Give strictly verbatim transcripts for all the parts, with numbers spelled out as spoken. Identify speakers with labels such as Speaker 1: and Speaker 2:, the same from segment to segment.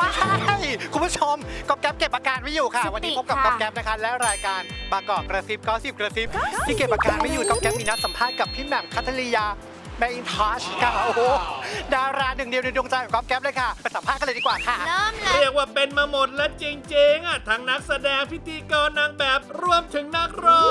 Speaker 1: ใช่คุณผู้ชมก๊อบแก๊บเก็บอาการไม่อยู่ค่ะ วันนี้พบกับก๊อบแก๊บนะคะและรายการบางกอกกระซิบก็สิบกระซิบที่เก็บอาการไม่อยู่ก๊อบแก๊บมีนัดสัมภาษณ์กับพี่แหม่มคัทริยาแมอินทัชค่ะโอ้โหดาราหนึ่งเดียวในดวงใจของก๊อบแก๊บเลยค่ะไปสัมภาษณ์กันเลยดีกว่าค่ะ
Speaker 2: เริ่มเลย
Speaker 3: เรียกว่าเป็นมาหมดแล้วจริงๆอ่ะทั้งนักแสดงพิธีกรนางแบบรวมถึงนักร้อง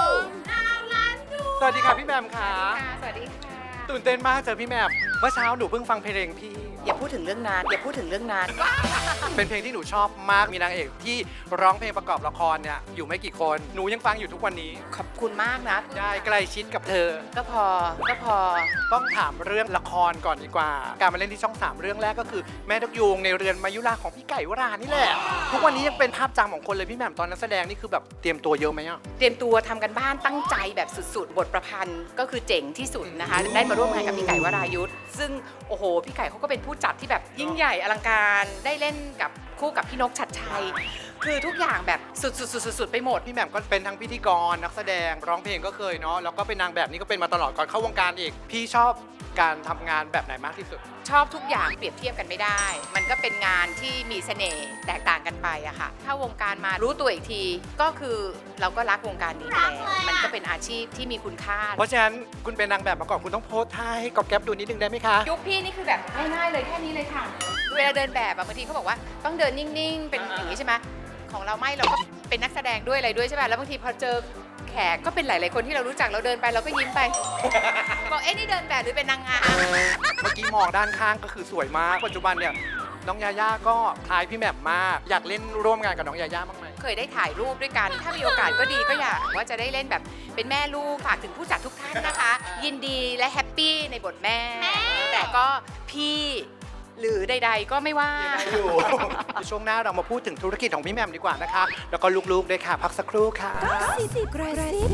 Speaker 1: สวัสดีค่ะพี่แหม่มค่ะ
Speaker 2: สวัสดีค่ะ
Speaker 1: ตื่นเต้นมากเจอพี่แหม่มเมื่อเช้าหนูเพิ่งฟังเพลงพี่
Speaker 2: อย่าพูดถึงเรื่องนานอย่าพูดถึงเรื่องนาน
Speaker 1: เป็นเพลงที่หนูชอบมากมีนางเอกที่ร้องเพลงประกอบละครเนี่ยอยู่ไม่กี่คนหนูยังฟังอยู่ทุกวันนี้
Speaker 2: ขอบคุณมากนะ
Speaker 1: ได้ใกล้ชิดกับเธอ
Speaker 2: ก็พอก็พอ
Speaker 1: ต้องถามเรื่องละครก่อนดีกว่า การมาเล่นที่ช่องสามเรื่องแรกก็คือแม่นกยูงในเรือนมายุราของพี่ไก่วรานี่แหละทุกวันนี้ยังเป็นภาพจำของคนเลยพี่แหม่มตอนนักแสดงนี่คือแบบเตรียมตัวเยอะไหมอ่ะ
Speaker 2: เตรียมตัวทำกันบ้านตั้งใจแบบสุดๆ บทประพันธ์ก็คือเจ๋งที่สุดนะคะ ได้มาร่วมงานกับพี่ไก่วรายุทธซึ่งโอ้โหพี่ไก่เขาก็เป็นผู้จัดที่แบบยิ่งใหญ่อลังการได้เล่นกับคู่กับพี่นกชัดชัย คือทุกอย่างแบบสุดๆๆๆไปหมด
Speaker 1: พี่แหม่มก็เป็นทั้งพิธีกรนักแสดงร้องเพลงก็เคยเนาะแล้วก็เป็นนางแบบนี้ก็เป็นมาตลอดก่อนเข้าวงการอีกพี่ชอบการทำงานแบบไหนมากที่สุด
Speaker 2: ชอบทุกอย่างเปรียบเทียบกันไม่ได้ มันก็เป็นงานที่มีเสน่ห์แตกต่างกันไปอะค่ะถ้าวงการมารู้ตัวอีกทีก็คือเราก็รักวงการนี้ไปแล้วมันก็เป็นอาชีพที่มีคุณค่า
Speaker 1: เพราะฉะนั้นคุณเป็นนางแบบมาก่อนคุณต้องโพสท่าให้ก๊อบแก๊บดูนิดนึงได้ไหมคะ
Speaker 2: ยุคพี่นี่คือแบบง่ายๆเลยแค่นี้เลยค่ะเวลาเดินแบบอะบางทีเขาบอกว่าต้องเดินนิ่งๆ เป็นอย่างนี้ใช่ไหมของเราไม่เราก็เป็นนักแสดงด้วยอะไรด้วยใช่ไหมแล้วบางทีพอเจอแขกก็เป็นหลายๆคนที่เรารู้จักเราเดินไปเราก็ยิ้มไป บอกเอ๊ะนี่เดินแบบหรือเป็นนางงาม
Speaker 1: เมื่อกี้มองด้านข้างก็คือสวยมากปัจจุบันเนี่ยน้องยาย่าก็คล้ายพี่แหม่มมากอยากเล่นร่วมงานกับน้องยาย่าบ้างไหม
Speaker 2: เคยได้ถ่ายรูปด้วยกัน ถ้ามีโอกาสก็ดีก็อยากว่าจะได้เล่นแบบเป็นแม่ลูกฝากถึงผู้จัดทุกท่านนะคะ ยินดีและแฮปปี้ในบทแม่ แต่ก็พี่หรือใด ๆ ก็ไม่ว่า
Speaker 1: อยู่ ช่วงหน้าเรามาพูดถึงธุรกิจของพี่แหม่มดีกว่านะคะ แล้วก็ลูกๆด้วยค่ะ พักสักครู่ค่ะ
Speaker 4: สิบกระซิ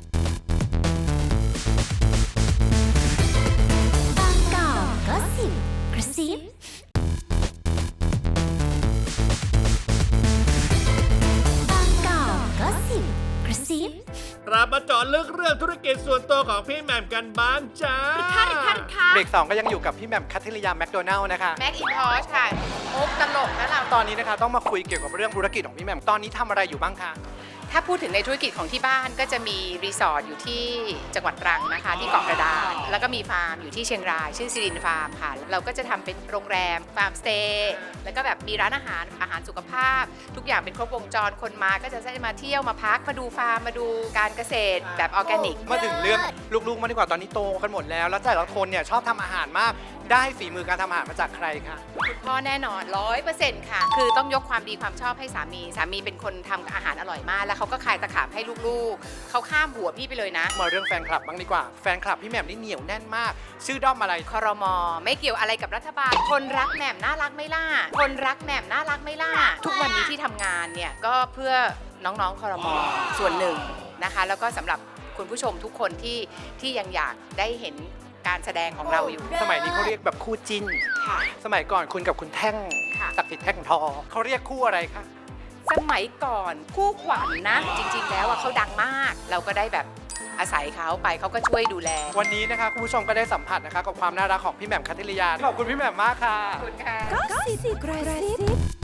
Speaker 4: บางกอกก็สิบกระซิบางกอกก็สิบกระซิบ
Speaker 3: เรามาเจาะลึกเรื่องธุรกิจส่วนตัวของพี่แหม่มกันบ้างจ้า
Speaker 1: เบรกสองก็ยังอยู่กับพี่แหม่มคัทริยาแมคโดนัลล์นะคะ
Speaker 2: แม็กอินทอชค่ะมุกตลกนะเรา
Speaker 1: ตอนนี้นะคะต้องมาคุยเกี่ยวกับเรื่องธุรกิจของพี่แหม่มตอนนี้ทำอะไรอยู่บ้างคะ
Speaker 2: ถ้าพูดถึงในธุรกิจของที่บ้านก็จะมีรีสอร์ทอยู่ที่จังหวัดตรังนะคะที่เกาะกระดานแล้วก็มีฟาร์มอยู่ที่เชียงรายชื่อซิรินฟาร์มค่ะเราก็จะทำเป็นโรงแรมฟาร์มสเตย์แล้วก็แบบมีร้านอาหารอาหารสุขภาพ ทุกอย่างเป็นครบวงจรคนมาก็จะได้มาเที่ยวมาพักมาดูฟาร์มมาดูการเกษตรแบบออร์แกนิก
Speaker 1: มาถึงเรื่องลูกๆมาดีกว่าตอนนี้โตกันหมดแล้ว แล้วแต่ละคนเนี่ยชอบทำอาหารมากได้ฝีมือการทำอาหารมาจากใครคะ
Speaker 2: คุณพ่อแน่นอนร้อยเปอร์เซ็นต์ค่ะ คือต้องยกความดีความชอบให้สามี สามีเป็นคนทำอาหารอร่อยมาก แล้วเขาก็คายตะขาบให้ลูกๆ เขาข้ามหัวพี่ไปเลยนะ
Speaker 1: มาเรื่องแฟนคลับบ้างดีกว่าแฟนคลับพี่แหม่มนี่เหนียวแน่นมาก ชื่อด้อมอะไร
Speaker 2: ครมไม่เกี่ยวอะไรกับรัฐบาล คนรักแหม่มน่ารักไหม่ล่ะ คนรักแหม่มน่ารักไหม่ล่ะ ทุกวันนี้ที่ทำงานเนี่ยก็เพื่อน้องๆครมส่วนหนึ่งนะคะ แล้วก็สำหรับคุณผู้ชมทุกคนที่ที่ยังอยากได้เห็นการแสดงของเราอยู่
Speaker 1: สมัยนี้เขาเรียกแบบคู่จิ้น
Speaker 2: ค่ะ
Speaker 1: สมัยก่อนคุณกับคุณแท่ง
Speaker 2: ค่ะ
Speaker 1: ศักดิ์สิทธิ์แท่งทองเขาเรียกคู่อะไรคะ
Speaker 2: สมัยก่อนคู่ขวัญนะ จริงๆ แล้วอะเขาดังมาก เราก็ได้แบบอาศัยเขาไปเขาก็ช่วยดูแล
Speaker 1: วันนี้นะคะคุณผู้ชมก็ได้สัมผัสนะคะกับความน่ารักของพี่แหม่มคัทริยาขอบคุณพี่แหม่มมากค่ะ
Speaker 2: ขอบคุณค่ะ
Speaker 4: ก็สิบกระซิบ